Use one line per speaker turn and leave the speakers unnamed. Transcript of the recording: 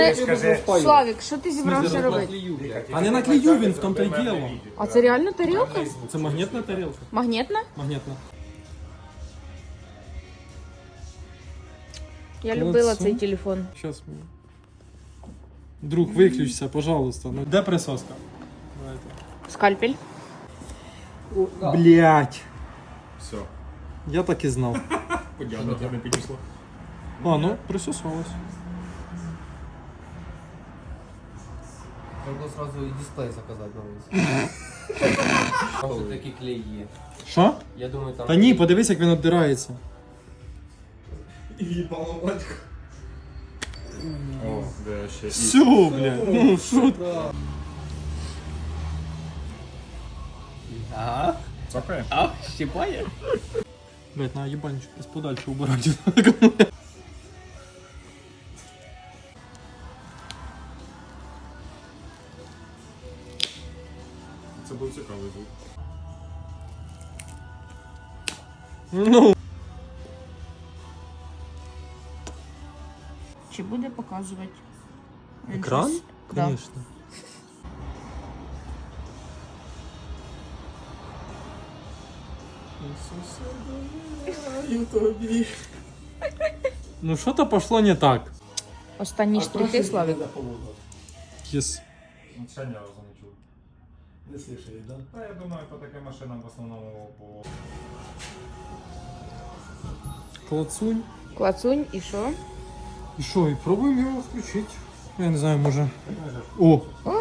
Славік, що ти зібрався робити?
А не наклею він, в тому-то й діло.
А це реально тарілка?
Це магнітна тарілка.
Магнітна?
Магнітна.
Я любила цей телефон.
Щас. Друг, виключся, пожалуйста. Ну, де присоска? Давайте.
Скальпель.
Блять.
Все.
Я так і знав.
Подяна, не підійшло.
А, ну, присосалось.
Треба сразу і дисплей заказати новий. Там такі клей є.
Що?
Я думаю, там...
Та ні, подивись, як він обдирається.
О, де ще.
Все, блядь. Ну, що?
Ага.
Цокає?
А, щипає?
Блядь, на ебанчик, подальше убирать.
Це був цікавий звук.
Ну.
Чи буде показувати?
Екран?
Да.
Конечно. Ну что-то пошло не так.
Останні штрихи, Славік.
Yes.
Ще ні разу не чув.
Не слышали, да?
Та я думаю, по таким машинам в основному по...
Клацунь.
Клацунь і що?
И что, и пробуем его включить. Я не знаю, може. О!